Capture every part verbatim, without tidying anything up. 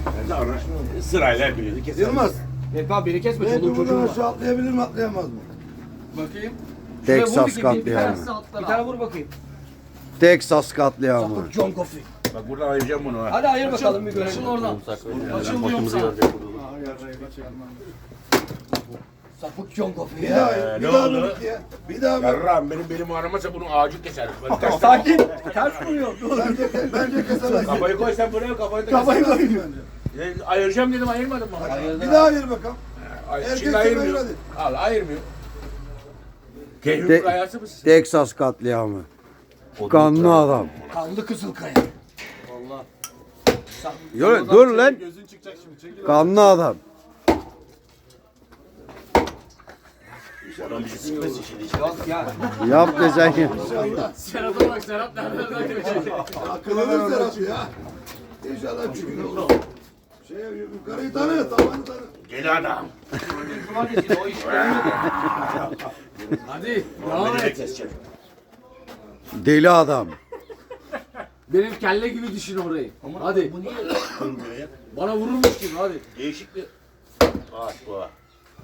Sonra sırayla hepinizi keselim. Yılmaz. Vehbi abi beni kesme. Vehbi Çoluğum çocuğum buradan var. aşağı atlayabilir mi atlayamaz mı? Bakayım. Texas Şuraya vur bir- bir tane- katliamı. Bir tane vur bakayım. Texas katliamı. Sapık John Coffey. Bak buradan ayıracağım bunu ha. Hadi ayır bakalım bir görelim. Açıl oradan. Açılmıyorum sana. Sapık John Coffey. Bir ya. daha, Ee, bir ne daha oldu? bir ya. Bir daha bir. Yarrağım benim belim ağrımasa bunu ağacı keser. Ben ters- Sakin. Ters vuruyor. Bence, bence kesemez. Kafayı koy sen buraya kafayı da Kafayı keser. koyayım bence. E, ayıracağım dedim ayırmadın mı? Bir daha ayır bakalım. Ay, Herkes şimdi ayır, ayırmıyor. hadi. Al ayırmıyor. Keyfim Te- kayası mısın? Texas katliamı. Kanlı adam. Kanlı Kızılkaya. Vallahi. Yürü, dur lan. Kanlı adam. Yok ya. Yap desen ya. Serhat'a bak Serhat nereden gelecek? Akıllı Serhat ya. İnşallah çıkıyor. Şey, yukarıyı tanı, tavanı tanı. Gel adam. Cumartesi o iş gelmedi. Hadi. Devam Beni de et. keseceğim. Deli adam. Benim kelle gibi düşün orayı. Hadi. Bu niye kırmıyor ya? Bana vururmuş gibi hadi. Değişik bir ağaç bu ha.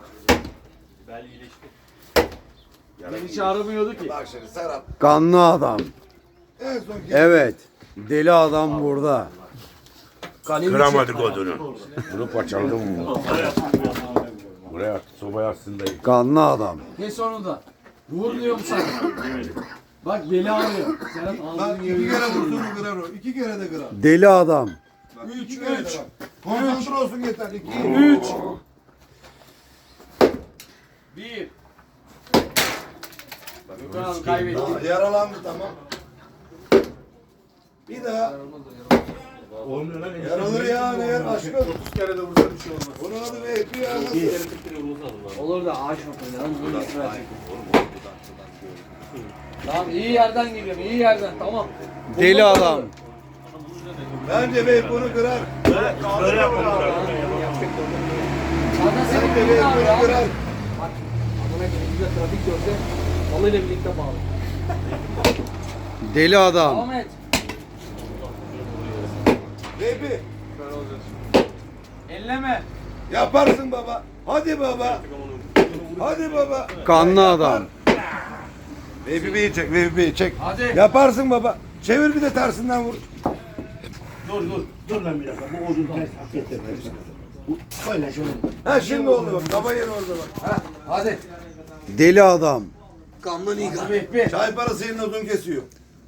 Beni çağırmıyordu ki. Bak şimdi Serhat. Kanlı adam. En son kez. Evet. Deli adam burada. Kıramadık odunu. Bunu parçaladım mı? Buraya at, sobaya atsın dayı. Kanlı adam. Ne sonunda? Vur diyorum sana. Bak beli ağrıyor. Serhat Bak ağzını iki yiyor. kere vursun mu kırar o. İki kere de kırar. Deli adam. Bak, iki kere de bak. Konsantre olsun yeter. İki. Üç. Bir. Gökhan abi kaybetti. Tamam, yaralandı tamam. Bir daha. Olmuyor lan. Yaralır ya ne yer aşkım. otuz kere de vursa bir şey olmaz. Bunun adı Vehbi ya nasıl? Olur da ağaç bakın lan. Bunu üstüne çekin. Tamam iyi yerden geliyorum. iyi yerden tamam. Deli adam. Bence Vehbi bunu kırar. Böyle yapalım. Zaten senin Bence belin Vehbi ağrıyor bunu abi. kırar. Bak adına önümüzde trafik görse malıyla birlikte bağlı. Deli adam. Devam et. Vehbi Elleme. yaparsın baba. Hadi baba. Hadi baba. Kanlı adam. Vehbi Bey'i çek. Vehbi Bey'i çek. Hadi. Yaparsın baba. Çevir bir de tersinden vur. Dur dur. Dur lan bir dakika. Bu odun ters hak etti. Böyle şöyle. Ha şimdi oldu bak. Kafa yeri orada bak. Ha. Hadi. Deli adam. Kanlı Niga. Vehbi. Çay parası yerine odun kesiyor.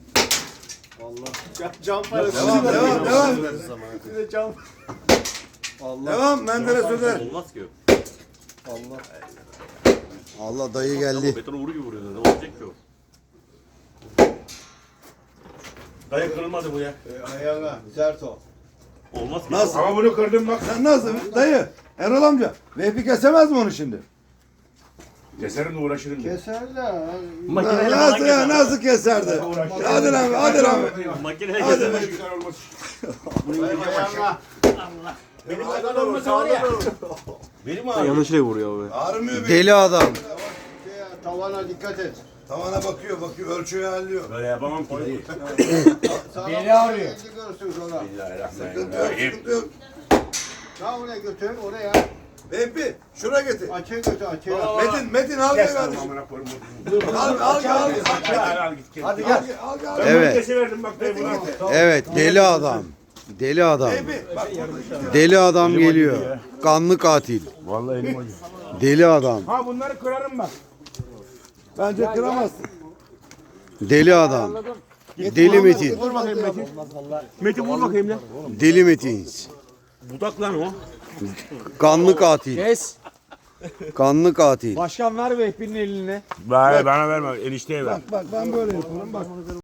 Cam parası. Devam devam devam. Size cam. Devam Menderes Öder. Olmaz ki. Allah dayı geldi. Betonu vuru gibi vuruyor. Ne olacak ki o? Dayı kırılmadı bu ya. Ayağına sert o. Olmaz ki. Nasıl? Ama bunu kırdım bak. Sen nasıl? Dayı. Erol amca. Vehbi kesemez mi onu şimdi? Keserim de uğraşırım. diye. Makineyle nasıl falan ya? keser. Nasıl keserdi? Hadi lan hadi lan. Makineyle Hadi keser. be. Güzel olmaz. Benim kadar olmasa var ya. Benim ağrıyor. Yanlışlıkla vuruyor abi. Ağrımıyor benim. Deli adam. Tavana dikkat et. Tavana bakıyor bakıyor ölçüyor halliyor. Böyle yapamam ki dayı. Beli ağrıyor. Elini görsün sonra. Sıkıntı yok sıkıntı yok. Daha oraya götür oraya. Vehbi şuraya getir. Açığa götür açığa. Metin Metin al gel Kes lan kardeşim. amına koyayım. Al al gel al Al al git kes. Hadi gel. Al gel. Ben Evet. bunu kesiverdim bak dayı buna. Evet deli adam. Deli adam. Vehbi bak Deli adam geliyor. Kanlı katil. Vallahi elim acıyor. Deli adam. Ha bunları kırarım bak. bence kıramazsın. Deli adam. Deli Metin. Vur bakayım Metin. Metin vur bakayım lan. Deli Metin. Budak lan o. Kanlı katil. Kes. Kanlı katil. Başkan ver Vehbi'nin eline. Bana, bana verme enişteye ver. Bak bak ben böyle yaparım bak.